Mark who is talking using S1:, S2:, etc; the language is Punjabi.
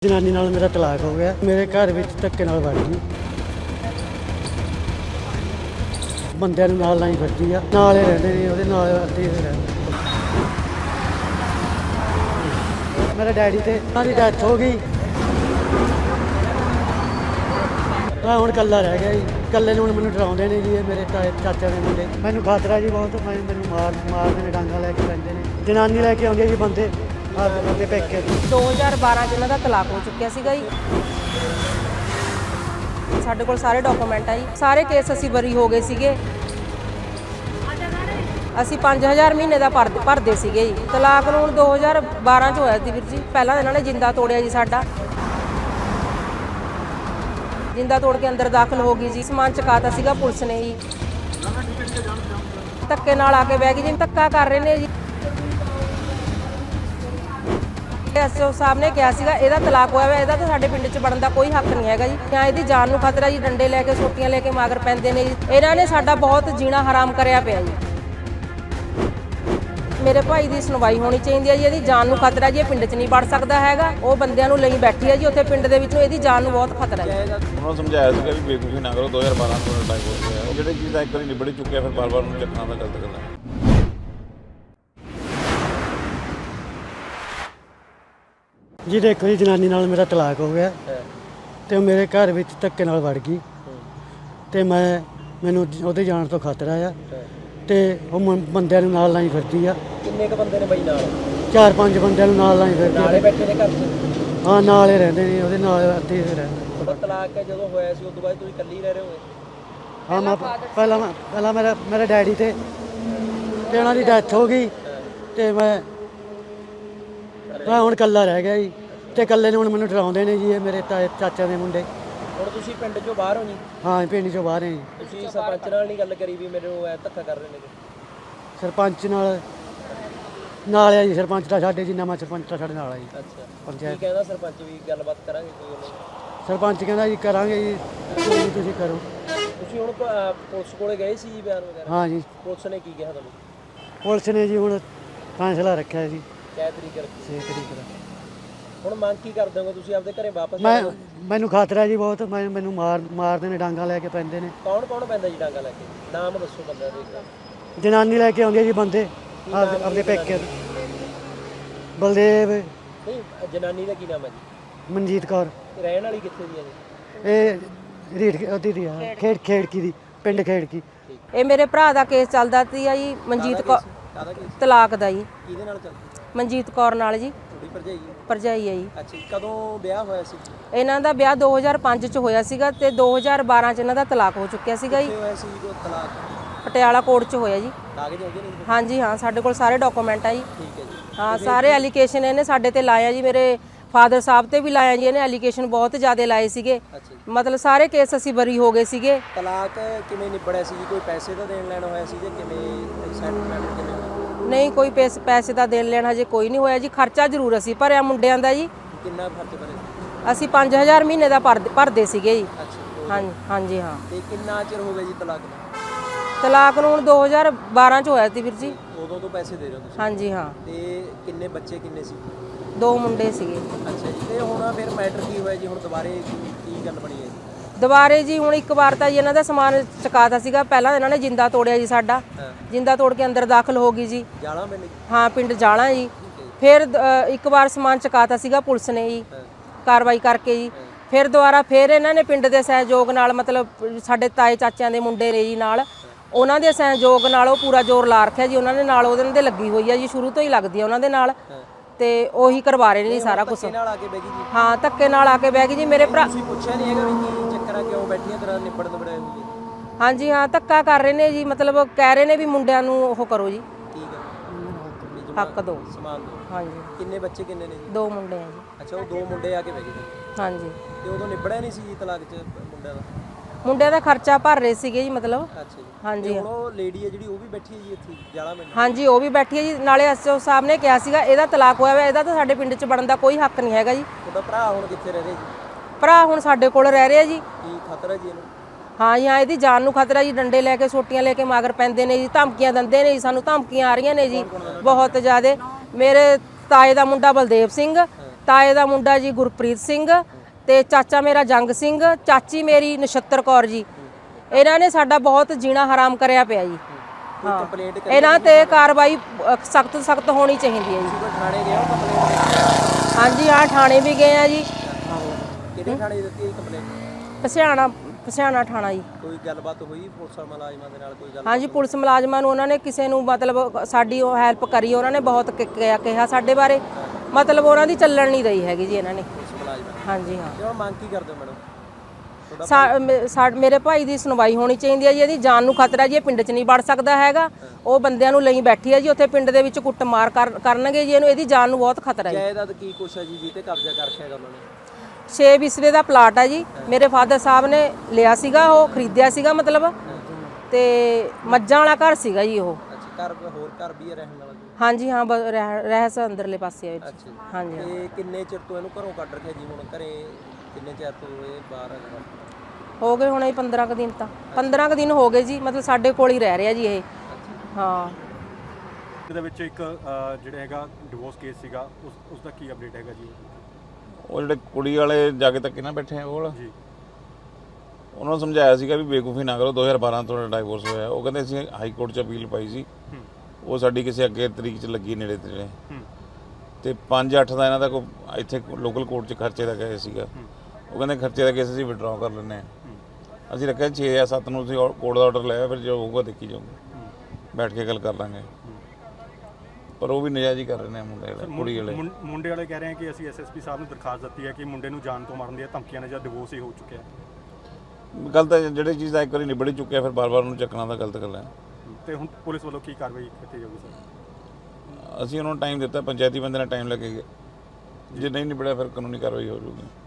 S1: ਜਨਾਨੀ ਨਾਲ ਮੇਰਾ ਤਲਾਕ ਹੋ ਗਿਆ। ਮੇਰੇ ਘਰ ਵਿੱਚ ਧੱਕੇ ਨਾਲ ਵੜ ਗਈ। ਬੰਦਿਆਂ ਨੂੰ ਨਾਲ ਨਹੀਂ ਫਿਰਦੀ ਆ, ਨਾਲ ਹੀ ਰਹਿੰਦੇ ਨੇ, ਉਹਦੇ ਨਾਲ ਅੱਧੇ ਰਹਿੰਦੇ। ਮੇਰੇ ਡੈਡੀ ਤੇ ਉਹਨਾਂ ਦੀ ਡੈਥ ਹੋ ਗਈ। ਮੈਂ ਹੁਣ ਇਕੱਲਾ ਰਹਿ ਗਿਆ ਜੀ। ਇਕੱਲੇ ਨੂੰ ਹੁਣ ਮੈਨੂੰ ਡਰਾਉਂਦੇ ਨੇ ਜੀ, ਇਹ ਮੇਰੇ ਚਾਚਾ ਦੇ ਮੁੰਡੇ। ਮੈਨੂੰ ਖਤਰਾ ਜੀ ਬਹੁਤ, ਮੈਨੂੰ ਮਾਰਦੇ ਨੇ, ਡਾਂਗਾ ਲੈ ਕੇ ਪੈਂਦੇ ਨੇ। ਜਨਾਨੀ ਲੈ ਕੇ ਆਉਂਦੇ ਜੀ ਬੰਦੇ ਆਪਣੇ ਪੇਕੇ।
S2: 2012 ਚ ਇਹਨਾਂ ਦਾ ਤਲਾਕ ਹੋ ਚੁੱਕਿਆ ਸੀਗਾ ਜੀ। ਸਾਡੇ ਕੋਲ ਸਾਰੇ ਡਾਕੂਮੈਂਟ ਆ ਜੀ, ਸਾਰੇ ਕੇਸ ਅਸੀਂ ਬਰੀ ਹੋ ਗਏ ਸੀਗੇ। ਅਸੀਂ 5000 ਮਹੀਨੇ ਦਾ ਭਰਦੇ ਸੀਗੇ ਜੀ। ਤਲਾਕ ਨੂੰ 2012 ਚ ਹੋਇਆ ਸੀ ਵੀਰ ਜੀ। ਪਹਿਲਾਂ ਇਹਨਾਂ ਨੇ ਜਿੰਦਾ ਤੋੜਿਆ ਜੀ, ਸਾਡਾ ਜਿੰਦਾ ਤੋੜ ਕੇ ਅੰਦਰ ਦਾਖਲ ਹੋ ਗਈ ਜੀ। ਸਮਾਨ ਚਕਾਤਾ ਸੀਗਾ ਪੁਲਿਸ ਨੇ ਜੀ। ਧੱਕੇ ਨਾਲ ਆ ਕੇ ਬਹਿ ਗਈ ਜੀ। ਧੱਕਾ ਕਰ ਰਹੇ ਨੇ ਜੀ। ਐਸਓ ਸਾਹਿਬ ਨੇ ਕਿਹਾ ਸੀਗਾ ਇਹਦਾ ਤਲਾਕ ਹੋਇਆ ਵਾ, ਇਹਦਾ ਤਾਂ ਸਾਡੇ ਪਿੰਡ 'ਚ ਵੜਨ ਦਾ ਕੋਈ ਹੱਕ ਨਹੀਂ ਹੈਗਾ ਜੀ। ਜਾਂ ਇਹਦੀ ਜਾਨ ਨੂੰ ਖਤਰਾ ਜੀ। ਡੰਡੇ ਲੈ ਕੇ, ਸੋਟੀਆਂ ਲੈ ਕੇ ਮਗਰ ਪੈਂਦੇ ਨੇ ਜੀ। ਇਹਨਾਂ ਨੇ ਸਾਡਾ ਬਹੁਤ ਜੀਣਾ ਹਰਾਮ ਕਰਿਆ ਪਿਆ ਜੀ। ਮੇਰੇ ਭਾਈ ਦੀ ਸੁਣਵਾਈ ਹੋਣੀ ਚਾਹੀਦੀ ਹੈ ਜੀ। ਇਹਦੀ ਜਾਨ ਨੂੰ ਖਤਰਾ ਜੀ, ਇਹ ਪਿੰਡ 'ਚ ਨਹੀਂ ਵੜ ਸਕਦਾ ਹੈਗਾ। ਉਹ ਬੰਦਿਆਂ ਨੂੰ ਲਈ ਬੈਠੀ ਹੈ ਜੀ ਉੱਥੇ ਪਿੰਡ ਦੇ ਵਿੱਚ ਨੂੰ। ਇਹਦੀ ਜਾਨ ਨੂੰ ਬਹੁਤ ਖਤਰਾ ਹੈ।
S3: ਉਹਨਾਂ ਨੂੰ ਸਮਝਾਇਆ ਸੀਗਾ ਵੀ ਬੇਵਕੂਫੀ ਨਾ ਕਰੋ। 2012 ਤੋਂ ਟਾਈਮ ਹੋ ਗਿਆ। ਉਹ ਜਿਹੜੇ ਚੀਜ਼ ਦਾ ਇੱਕ ਵਾਰੀ ਨਿਬੜ ਚੁੱਕਿਆ, ਫਿਰ ਬਾਰ-ਬਾਰ ਉਹਨੂੰ ਚੱਕਣਾ ਤਾਂ ਗਲਤ ਗੱਲ ਹੈ।
S1: ਜੀ ਦੇਖੋ ਜੀ, ਜਨਾਨੀ ਨਾਲ ਮੇਰਾ ਤਲਾਕ ਹੋ ਗਿਆ ਤੇ ਉਹ ਮੇਰੇ ਘਰ ਵਿੱਚ ਧੱਕੇ ਨਾਲ ਵੜ ਗਈ ਤੇ ਮੈਨੂੰ ਉਹਦੇ ਜਾਣ ਤੋਂ ਖਤਰਾ ਆ ਤੇ ਉਹ ਬੰਦਿਆਂ ਨੂੰ ਨਾਲ ਲਾਈ ਫਿਰਦੀ ਆ।
S4: ਕਿੰਨੇ ਕ ਬੰਦੇ ਨੇ ਬਾਈ ਨਾਲ?
S1: 4-5 ਬੰਦਿਆਂ ਨੂੰ ਨਾਲ ਲਾਈ ਫਿਰਦੀ
S4: ਨਾਲੇ
S1: ਆ।
S4: ਬੈਠੇ ਨੇ ਘਰ 'ਚ?
S1: ਹਾਂ, ਨਾਲ ਹੀ ਰਹਿੰਦੇ ਨੇ, ਉਹਦੇ ਨਾਲ ਅੱਧੇ ਹੀ ਰਹਿੰਦੇ।
S4: ਤੁਹਾਡਾ ਤਲਾਕ ਹੈ ਜਦੋਂ ਹੋਇਆ ਸੀ, ਉਸ ਤੋਂ ਬਾਅਦ ਤੁਸੀਂ ਇਕੱਲੇ ਹੀ ਰਹਿ ਰਹੇ ਹੋਗੇ?
S1: ਹਾਂ, ਮੈਂ ਪਹਿਲਾਂ ਮੇਰਾ ਡੈਡੀ ਤੇ ਉਹਨਾਂ ਦੀ ਡੈਥ ਹੋ ਗਈ ਤੇ ਮੈਂ ਹੁਣ ਇਕੱਲਾ ਰਹਿ ਗਿਆ ਜੀ। ਤੇ ਇਕੱਲੇ ਨੂੰ ਹੁਣ ਮੈਨੂੰ ਡਰਾਉਂਦੇ ਨੇ ਜੀ, ਇਹ ਮੇਰੇ ਚਾਚਾ ਦੇ ਮੁੰਡੇ।
S4: ਹੁਣ ਤੁਸੀਂ ਪਿੰਡ 'ਚੋਂ ਬਾਹਰ ਹੋ ਜੀ?
S1: ਹਾਂ, ਪਿੰਡ 'ਚੋਂ ਬਾਹਰ ਹੈ ਜੀ।
S4: ਤੁਸੀਂ ਸਰਪੰਚ ਨਾਲ ਨਹੀਂ ਗੱਲ ਕਰੀ ਵੀ ਮੈਨੂੰ ਐ ਧੱਕਾ ਕਰ ਰਹੇ ਨੇ?
S1: ਸਰਪੰਚ ਨਾਲ ਆ ਜੀ। ਸਰਪੰਚ ਦਾ ਸਾਡੇ ਜਿੰਨਾ ਮੈਂ ਸਰਪੰਚ ਦਾ ਸਾਡੇ ਨਾਲ ਆ ਜੀ।
S4: ਅੱਛਾ,
S1: ਪੰਚਾਇਤ
S4: ਕੀ ਕਹਿੰਦਾ ਸਰਪੰਚ? ਵੀ ਗੱਲਬਾਤ ਕਰਾਂਗੇ ਕੋਈ ਉਹਨੇ?
S1: ਸਰਪੰਚ ਕਹਿੰਦਾ ਜੀ ਕਰਾਂਗੇ ਜੀ, ਕੋਈ ਤੁਸੀਂ ਕਰੋ।
S4: ਤੁਸੀਂ ਹੁਣ ਪੁਲਿਸ ਕੋਲੇ ਗਏ ਸੀ ਜੀ, ਬਿਆਨ ਵਗੈਰਾ?
S1: ਹਾਂ ਜੀ।
S4: ਪੁਲਿਸ ਨੇ ਕੀ ਕਿਹਾ ਤੁਹਾਨੂੰ?
S1: ਪੁਲਿਸ ਨੇ ਜੀ ਹੁਣ ਫੈਸਲਾ ਰੱਖਿਆ ਜੀ
S4: ਕਿਹ ਤਰੀਕ ਰੱਖੀ?
S1: 6 ਤਰੀਕ ਦਾ।
S4: ਹੁਣ ਮੰਗ ਕੀ ਕਰਦੇ ਹੋ ਤੁਸੀਂ ਆਪਦੇ ਘਰੇ ਵਾਪਸ?
S1: ਮੈਨੂੰ ਖਤਰਾ ਜੀ ਬਹੁਤ, ਮੈਨੂੰ ਮਾਰਦੇ ਨੇ, ਡਾਂਗਾ ਲੈ ਕੇ ਪੈਂਦੇ ਨੇ।
S4: ਕੌਣ ਕੌਣ ਪੈਂਦਾ ਜੀ ਡਾਂਗਾ ਲੈ ਕੇ? ਨਾਮ ਦੱਸੋ ਬੰਦਿਆਂ ਦੇ।
S1: ਜਨਾਨੀ ਲੈ ਕੇ ਆਉਂਦੀ ਜੀ ਬੰਦੇ ਆਪਣੇ ਪੇਕੇ। ਬਲਦੇਵ।
S4: ਨਹੀਂ, ਜਨਾਨੀ ਦਾ ਕੀ ਨਾਮ ਹੈ ਜੀ?
S1: ਮਨਜੀਤ ਕੌਰ।
S4: ਰਹਿਣ ਵਾਲੀ ਕਿੱਥੇ ਦੀ ਹੈ ਜੀ?
S1: ਇਹ ਰੀਠ ਉਹਦੀ ਦੀ ਆ, ਖੇੜਕੀ ਦੀ, ਪਿੰਡ ਖੇੜਕੀ।
S2: ਇਹ ਮੇਰੇ ਭਰਾ ਦਾ ਕੇਸ ਚੱਲਦਾ ਸੀ ਆ ਜੀ। ਮਨਜੀਤ ਕੌਰ,
S4: ਕਾਹਦਾ ਕੇਸ?
S2: ਤਲਾਕ ਦਾ ਜੀ।
S4: ਕਿਹਦੇ ਨਾਲ ਚੱਲਦਾ?
S2: ਮਨਜੀਤ ਕੌਰ ਨਾਲ ਜੀ।
S4: ਥੋੜੀ ਭਰਜਾਈ?
S2: ਭਰਜਾਈ ਹੈ ਜੀ।
S4: ਅੱਛਾ ਜੀ। ਕਦੋਂ ਵਿਆਹ ਹੋਇਆ ਸੀ?
S2: ਇਹਨਾਂ ਦਾ ਵਿਆਹ 2005 ਚ ਹੋਇਆ ਸੀਗਾ ਤੇ 2012 ਚ ਇਹਨਾਂ ਦਾ ਤਲਾਕ ਹੋ ਚੁੱਕਿਆ ਸੀਗਾ ਜੀ।
S4: ਕਿੱਥੇ ਹੋਇਆ ਸੀ ਜੋ ਤਲਾਕ?
S2: ਪਟਿਆਲਾ ਕੋਰਟ ਚ ਹੋਇਆ ਜੀ।
S4: ਕਾਗਜ਼ ਹੈਗੇ ਨੇ?
S2: ਹਾਂਜੀ ਹਾਂ, ਸਾਡੇ ਕੋਲ ਸਾਰੇ ਡਾਕੂਮੈਂਟ ਆ ਜੀ।
S4: ਠੀਕ ਹੈ ਜੀ।
S2: ਹਾਂ, ਸਾਰੇ ਐਲੀਗੇਸ਼ਨ ਇਹਨੇ ਸਾਡੇ ਤੇ ਲਾਇਆ ਜੀ। ਮੇਰੇ ਫਾਦਰ ਸਾਹਿਬ ਤੇ ਵੀ ਲਾਇਆ ਜੀ ਇਹਨੇ ਐਲੀਗੇਸ਼ਨ, ਬਹੁਤ ਜ਼ਿਆਦਾ ਲਾਏ ਸੀਗੇ।
S4: ਅੱਛਾ ਜੀ।
S2: ਮਤਲਬ ਸਾਰੇ ਕੇਸ ਅਸੀਂ ਬਰੀ ਹੋ ਗਏ ਸੀਗੇ।
S4: ਤਲਾਕ ਕਿਵੇਂ ਨਿਬੜਿਆ ਸੀ ਜੀ? ਕੋਈ ਪੈਸੇ ਦਾ ਦੇਣ ਲੈਣ ਹੋਇਆ ਸੀ ਜਾਂ ਕਿਵੇਂ ਸੈਟਲਮੈਂਟ ਕਿਵੇਂ ਹੋਇਆ?
S2: ਨਹੀਂ, ਕੋਈ ਪੈਸੇ ਦਾ ਦੇਣ ਲੈਣ ਹਜੇ ਕੋਈ ਨਹੀਂ ਹੋਇਆ ਜੀ। ਖਰਚਾ ਜ਼ਰੂਰ ਅਸੀਂ ਭਰਿਆ ਮੁੰਡਿਆਂ ਦਾ ਜੀ।
S4: ਕਿੰਨਾ ਖਰਚ ਭਰੇ ਸੀ?
S2: ਅਸੀਂ 5000 ਮਹੀਨੇ ਦਾ ਭਰਦੇ ਸੀਗੇ ਜੀ।
S4: ਅੱਛਾ।
S2: ਹਾਂਜੀ ਹਾਂ।
S4: ਤੇ ਕਿੰਨਾ ਚਿਰ ਹੋ ਗਿਆ ਜੀ ਤਲਾਕ ਨੂੰ?
S2: ਤਲਾਕ ਨੂੰ 2012 ਚ ਹੋਇਆ ਸੀ ਵੀਰ ਜੀ।
S4: ਉਦੋਂ ਤੋਂ ਪੈਸੇ ਦੇ ਰਹੇ ਹੋ ਤੁਸੀਂ?
S2: ਹਾਂਜੀ ਹਾਂ।
S4: ਤੇ ਕਿੰਨੇ ਬੱਚੇ ਕਿੰਨੇ ਸੀ?
S2: 2 ਮੁੰਡੇ ਸੀਗੇ।
S4: ਅੱਛਾ ਜੀ। ਤੇ ਹੁਣ ਫਿਰ ਮੈਟਰ ਕੀ ਹੋਇਆ ਜੀ? ਹੁਣ ਦੁਬਾਰੇ ਕੀ ਗੱਲ ਬਣੀ ਹੈ ਜੀ?
S2: ਦੁਬਾਰੇ ਜੀ ਹੁਣ ਇੱਕ ਵਾਰ ਤਾਂ ਜੀ ਇਹਨਾਂ ਦਾ ਸਮਾਨ ਚਕਾਤਾ ਸੀਗਾ। ਪਹਿਲਾਂ ਇਹਨਾਂ ਨੇ ਜਿੰਦਾ ਤੋੜਿਆ ਜੀ, ਸਾਡਾ ਜਿੰਦਾ ਤੋੜ ਕੇ ਅੰਦਰ ਦਾਖਲ ਹੋ ਗਈ ਜੀ।
S4: ਜਾਲਾ ਮਿਲ?
S2: ਹਾਂ, ਪਿੰਡ ਜਾਲਾ ਜੀ। ਫਿਰ ਇੱਕ ਵਾਰ ਸਮਾਨ ਚਕਾਤਾ ਸੀਗਾ ਪੁਲਿਸ ਨੇ ਜੀ, ਕਾਰਵਾਈ ਕਰਕੇ ਜੀ। ਫਿਰ ਦੁਬਾਰਾ ਫਿਰ ਇਹਨਾਂ ਨੇ ਪਿੰਡ ਦੇ ਸਹਿਯੋਗ ਨਾਲ, ਮਤਲਬ ਸਾਡੇ ਤਾਏ ਚਾਚਿਆਂ ਦੇ ਮੁੰਡੇ ਨੇ ਜੀ ਨਾਲ, ਉਹਨਾਂ ਦੇ ਸਹਿਯੋਗ ਨਾਲ ਉਹ ਪੂਰਾ ਜ਼ੋਰ ਲਾ ਰੱਖਿਆ ਜੀ। ਉਹਨਾਂ ਦੇ ਨਾਲ ਉਹਦੇ ਦੇ ਲੱਗੀ ਹੋਈ ਆ ਜੀ, ਸ਼ੁਰੂ ਤੋਂ ਹੀ ਲੱਗਦੀ ਆ ਉਹਨਾਂ ਦੇ ਨਾਲ। ਤੇ ਉਹੀ ਕਰਵਾ ਰਹੇ ਨੇ ਜੀ ਸਾਰਾ ਕੁਝ।
S4: ਧੱਕੇ ਨਾਲ ਆ ਕੇ ਬਹਿ ਗਈ ਜੀ?
S2: ਹਾਂ, ਧੱਕੇ ਨਾਲ ਆ ਕੇ ਬਹਿ ਗਈ ਜੀ। ਮੇਰੇ ਭਰਾ
S4: ਤੁਸੀਂ ਪੁੱਛਿਆ ਨਹੀਂ ਹੈਗਾ ਵੀ ਕੀ ਚੱਕਰ ਆ, ਕਿਉਂ ਬੈਠੀਆਂ ਤੇਰਾ ਨਿਬੜ ਹੋਈ?
S2: ਹਾਂਜੀ ਹਾਂ, ਧੱਕਾ ਕਰ ਰਹੇ ਨੇ ਜੀ। ਮਤਲਬ ਕਹਿ ਰਹੇ ਨੇ ਵੀ ਮੁੰਡਿਆਂ ਨੂੰ ਉਹ ਕਰੋ ਜੀ,
S4: ਠੀਕ ਹੈ,
S2: ਹੱਕ ਦਿਓ।
S4: ਸਮਾਨ ਦਿਓ।
S2: ਹਾਂਜੀ।
S4: ਕਿੰਨੇ ਬੱਚੇ ਕਿੰਨੇ ਨੇ ਜੀ?
S2: 2 ਮੁੰਡੇ ਆ ਜੀ।
S4: ਅੱਛਾ, ਉਹ 2 ਮੁੰਡੇ ਆ ਕੇ ਬਹਿ ਗਏ ਜੀ?
S2: ਹਾਂਜੀ।
S4: ਤੇ ਉਦੋਂ ਨਿਬੜਿਆ ਨਹੀਂ ਸੀ ਜੀ ਤਲਾਕ ਚ ਮੁੰਡਿਆਂ ਦਾ?
S2: ਮੁੰਡਿਆਂ ਦਾ ਖਰਚਾ ਭਰ ਰਹੇ ਸੀਗੇ ਜੀ, ਮਤਲਬ।
S4: ਅੱਛਾ ਜੀ।
S2: ਹਾਂਜੀ।
S4: ਹੁਣ ਉਹ ਲੇਡੀ ਹੈ ਜਿਹੜੀ, ਉਹ ਵੀ ਬੈਠੀ ਹੈ ਜੀ ਇੱਥੇ ਜਾਲਾ ਮਿਲ?
S2: ਹਾਂਜੀ, ਉਹ ਵੀ ਬੈਠੀ ਹੈ ਜੀ। ਨਾਲੇ ਐਸਓ ਸਾਹਿਬ ਨੇ ਕਿਹਾ ਸੀਗਾ ਇਹਦਾ ਤਲਾਕ ਹੋਇਆ ਵਾ, ਇਹਦਾ ਤਾਂ ਸਾਡੇ ਪਿੰਡ 'ਚ ਵੜਨ ਦਾ ਕੋਈ ਹੱਕ ਨਹੀਂ ਹੈਗਾ ਜੀ।
S4: ਤੁਹਾਡਾ ਭਰਾ ਹੁਣ ਕਿੱਥੇ ਰਹਿ ਰਿਹਾ ਜੀ?
S2: ਭਰਾ ਹੁਣ ਸਾਡੇ ਕੋਲ ਰਹਿ ਰਿਹਾ ਜੀ।
S4: ਕੀ ਖਤਰਾ ਜੀ ਇਹਨੂੰ?
S2: ਹਾਂ ਜੀ ਹਾਂ, ਇਹਦੀ ਜਾਨ ਨੂੰ ਖਤਰਾ ਜੀ। ਡੰਡੇ ਲੈ ਕੇ, ਸੋਟੀਆਂ ਲੈ ਕੇ ਮਗਰ ਪੈਂਦੇ ਨੇ ਜੀ। ਧਮਕੀਆਂ ਦਿੰਦੇ ਨੇ ਜੀ, ਸਾਨੂੰ ਧਮਕੀਆਂ ਆ ਰਹੀਆਂ ਨੇ ਜੀ ਬਹੁਤ ਜ਼ਿਆਦੇ। ਮੇਰੇ ਤਾਏ ਦਾ ਮੁੰਡਾ ਬਲਦੇਵ ਸਿੰਘ, ਤਾਏ ਦਾ ਮੁੰਡਾ ਜੀ ਗੁਰਪ੍ਰੀਤ ਸਿੰਘ ਤੇ ਚਾਚਾ ਮੇਰਾ ਜੰਗ ਸਿੰਘ, ਚਾਚੀ ਮੇਰੀ ਨਛੱਤਰ ਕੌਰ ਜੀ। ਇਹਨਾਂ ਨੇ ਸਾਡਾ ਬਹੁਤ ਜੀਣਾ ਹਰਾਮ ਕਰਿਆ ਪਿਆ ਜੀ। ਹਾਂ,
S4: ਕੰਪਲੇਂਟ
S2: ਇਹਨਾਂ ਤੇ ਕਾਰਵਾਈ ਸਖਤ ਤੋਂ ਸਖਤ ਹੋਣੀ ਚਾਹੀਦੀ ਹੈ ਜੀ।
S4: ਕੋਈ ਥਾਣੇ ਗਿਆ ਕੰਪਲੇਂਟ?
S2: ਹਾਂਜੀ ਹਾਂ, ਥਾਣੇ ਵੀ ਗਏ ਆ ਜੀ।
S4: ਕਿਹੜੇ ਥਾਣੇ ਦਿੱਤੀ ਹੈ ਕੰਪਲੇਂਟ?
S2: ਪਸਿਆਣਾ ਥਾਣਾ ਜੀ।
S4: ਕੋਈ ਗੱਲਬਾਤ ਹੋਈ ਪੁਲਿਸ ਮੁਲਾਜ਼ਮਾਂ ਦੇ ਨਾਲ? ਕੋਈ ਗੱਲ?
S2: ਹਾਂਜੀ, ਪੁਲਿਸ ਮੁਲਾਜ਼ਮਾਂ ਨੂੰ ਉਹਨਾਂ ਨੇ ਕਿਸੇ ਨੂੰ ਮਤਲਬ ਸਾਡੀ ਉਹ ਹੈਲਪ ਕਰੀ, ਉਹਨਾਂ ਨੇ ਬਹੁਤ ਕਿਹਾ ਸਾਡੇ ਬਾਰੇ, ਮਤਲਬ ਉਹਨਾਂ ਦੀ ਚੱਲਣ ਨਹੀਂ ਰਹੀ ਹੈਗੀ ਜੀ ਇਹਨਾਂ ਨੇ।
S4: ਪੁਲਿਸ ਮੁਲਾਜ਼ਮਾਂ
S2: ਹਾਂਜੀ ਹਾਂ।
S4: ਕਿਉਂ ਮੰਗ ਕੀ ਕਰਦੇ ਹੋ ਮੈਡਮ?
S2: ਮੇਰੇ ਭਾਈ ਦੀ ਸੁਣਵਾਈ ਹੋਣੀ ਚਾਹੀਦੀ ਹੈ ਜੀ। ਇਹਦੀ ਜਾਨ ਨੂੰ ਖਤਰਾ ਜੀ, ਇਹ ਪਿੰਡ 'ਚ ਨਹੀਂ ਵੜ ਸਕਦਾ ਹੈਗਾ। ਉਹ ਬੰਦਿਆਂ ਨੂੰ ਲਈ ਬੈਠੀ ਹੈ ਜੀ ਉੱਥੇ ਪਿੰਡ ਦੇ ਵਿੱਚ, ਕੁੱਟਮਾਰ ਕਰਨਗੇ ਜੀ ਇਹਨੂੰ। ਇਹਦੀ ਜਾਨ ਨੂੰ ਬਹੁਤ ਖਤਰਾ ਹੈ ਜੀ।
S4: ਜਾਇਦਾਦ ਕੀ ਕੁਛ ਹੈ ਜੀ ਜਿਹਤੇ ਕਬਜ਼ਾ ਕਰ ਰੱਖਿਆ ਹੈਗਾ ਉਹਨਾਂ ਨੇ?
S2: 6 ਵਿਸਵੇ ਦਾ ਪਲਾਟ ਹੈ ਜੀ। ਮੇਰੇ ਫਾਦਰ ਸਾਹਿਬ ਨੇ ਲਿਆ ਸੀਗਾ, ਉਹ ਖਰੀਦਿਆ ਸੀਗਾ ਮਤਲਬ, ਤੇ ਮੱਝਾਂ ਵਾਲਾ ਘਰ ਸੀਗਾ ਜੀ ਉਹ।
S4: ਅੱਛਾ, ਘਰ ਹੋਰ ਘਰ ਵੀ ਹੈ ਰਹਿਣ ਵਾਲਾ ਜੀ?
S2: ਹਾਂਜੀ ਹਾਂ, ਰਹਿਸ ਅੰਦਰਲੇ ਪਾਸੇ ਵਿੱਚ।
S4: ਅੱਛਾ ਜੀ।
S2: ਹਾਂਜੀ ਹਾਂ।
S4: ਤੇ ਕਿੰਨੇ ਚਿਰ ਤੋਂ ਇਹਨੂੰ ਘਰੋਂ ਕੱਢ ਰੱਖਿਆ ਜੀ? ਹੁਣ ਘਰੇ ਕਿੰਨੇ ਚਿਰ ਤੋਂ ਇਹ ਬਾਹਰ ਹੈਗਾ?
S2: ਹੋ ਗਏ ਹੁਣ 15 ਕੁ ਦਿਨ, ਤਾਂ 15 ਕੁ ਦਿਨ ਹੋ ਗਏ ਜੀ, ਮਤਲਬ ਸਾਡੇ ਕੋਲ ਹੀ ਰਹਿ ਰਿਹਾ ਜੀ ਇਹ। ਹਾਂ।
S5: ਇਹਦੇ ਵਿੱਚ ਇੱਕ ਜਿਹੜਾ ਹੈਗਾ ਡਿਵੋਰਸ ਕੇਸ ਸੀਗਾ, ਉਸ ਦਾ ਕੀ ਅਪਡੇਟ ਹੈਗਾ ਜੀ?
S3: ਉਹ ਜਿਹੜੇ ਕੁੜੀ ਵਾਲੇ ਜਾ ਕੇ ਧੱਕੇ ਨਾਲ ਬੈਠੇ ਆ ਕੋਲ
S5: ਜੀ,
S3: ਉਹਨਾਂ ਨੂੰ ਸਮਝਾਇਆ ਸੀਗਾ ਵੀ ਬੇਵਕੂਫੀ ਨਾ ਕਰੋ। 2012 ਤੋਂ ਡਾਈਵੋਰਸ ਹੋਇਆ। ਉਹ ਕਹਿੰਦੇ ਅਸੀਂ ਹਾਈ ਕੋਰਟ 'ਚ ਅਪੀਲ ਪਾਈ ਸੀ, ਉਹ ਸਾਡੀ ਕਿਸੇ ਅੱਗੇ ਤਰੀਕ 'ਚ ਲੱਗੀ ਨੇੜੇ ਤੇੜੇ, ਤੇ 5-8 ਦਾ ਇਹਨਾਂ ਦਾ ਕੋਈ ਇੱਥੇ ਲੋਕਲ ਕੋਰਟ 'ਚ ਖਰਚੇ ਦਾ ਕੇਸ ਸੀਗਾ। ਉਹ ਕਹਿੰਦੇ ਖਰਚੇ ਦਾ ਕੇਸ ਅਸੀਂ ਵਿਡਰਾਅ ਕਰ ਲੈਂਦੇ ਹਾਂ। ਅਸੀਂ ਰੱਖਿਆ 6 ਜਾਂ 7 ਨੂੰ ਤੁਸੀਂ ਕੋਰਟ ਦਾ ਆਰਡਰ ਲਿਆ, ਫਿਰ ਜੋ ਹੋਊਗਾ ਦੇਖੀ ਜਾਊਗਾ, ਬੈਠ ਕੇ ਗੱਲ ਕਰ ਲਾਂਗੇ। ਪਰ ਉਹ ਵੀ ਨਜਾਇਜ਼ ਹੀ ਕਰ ਰਹੇ ਨੇ ਮੁੰਡੇ ਵਾਲੇ, ਕੁੜੀ ਵਾਲੇ।
S5: ਮੁੰਡੇ ਵਾਲੇ ਕਹਿ ਰਹੇ ਹੈ ਕਿ ਅਸੀਂ ਐਸਐਸਪੀ ਸਾਹਿਬ ਨੂੰ ਦਰਖਾਸਤ ਦਿੱਤੀ ਹੈ ਕਿ ਮੁੰਡੇ ਨੂੰ ਜਾਨ ਤੋਂ ਮਾਰਨ ਦੀਆਂ ਧਮਕੀਆਂ ਨੇ ਜਾਂ ਡਿਵੋਰਸ ਹੀ ਹੋ ਚੁੱਕਿਆ ਹੈ।
S3: ਗਲਤ ਹੈ, ਜਿਹੜੇ ਚੀਜ਼ ਦਾ ਇੱਕ ਵਾਰੀ ਨਿਬੜ ਚੁੱਕਿਆ ਫਿਰ ਬਾਰ-ਬਾਰ ਉਹਨੂੰ ਚੱਕਣਾ ਤਾਂ ਗਲਤ ਗੱਲ ਹੈ।
S5: ਤੇ ਹੁਣ ਪੁਲਿਸ ਵੱਲੋਂ ਕੀ ਕਾਰਵਾਈ ਕੀਤੀ ਜਾਊਗੀ ਸਰ?
S3: ਅਸੀਂ ਉਹਨਾਂ ਨੂੰ ਟਾਈਮ ਦਿੱਤਾ, ਪੰਚਾਇਤੀ ਬੰਦੇ ਨੇ ਟਾਈਮ ਲੱਗੇਗਾ। ਜੇ ਨਹੀਂ ਨਿਬੜਿਆ ਫਿਰ ਕਾਨੂੰਨੀ ਕਾਰਵਾਈ ਹੋ ਜਾਊਗੀ।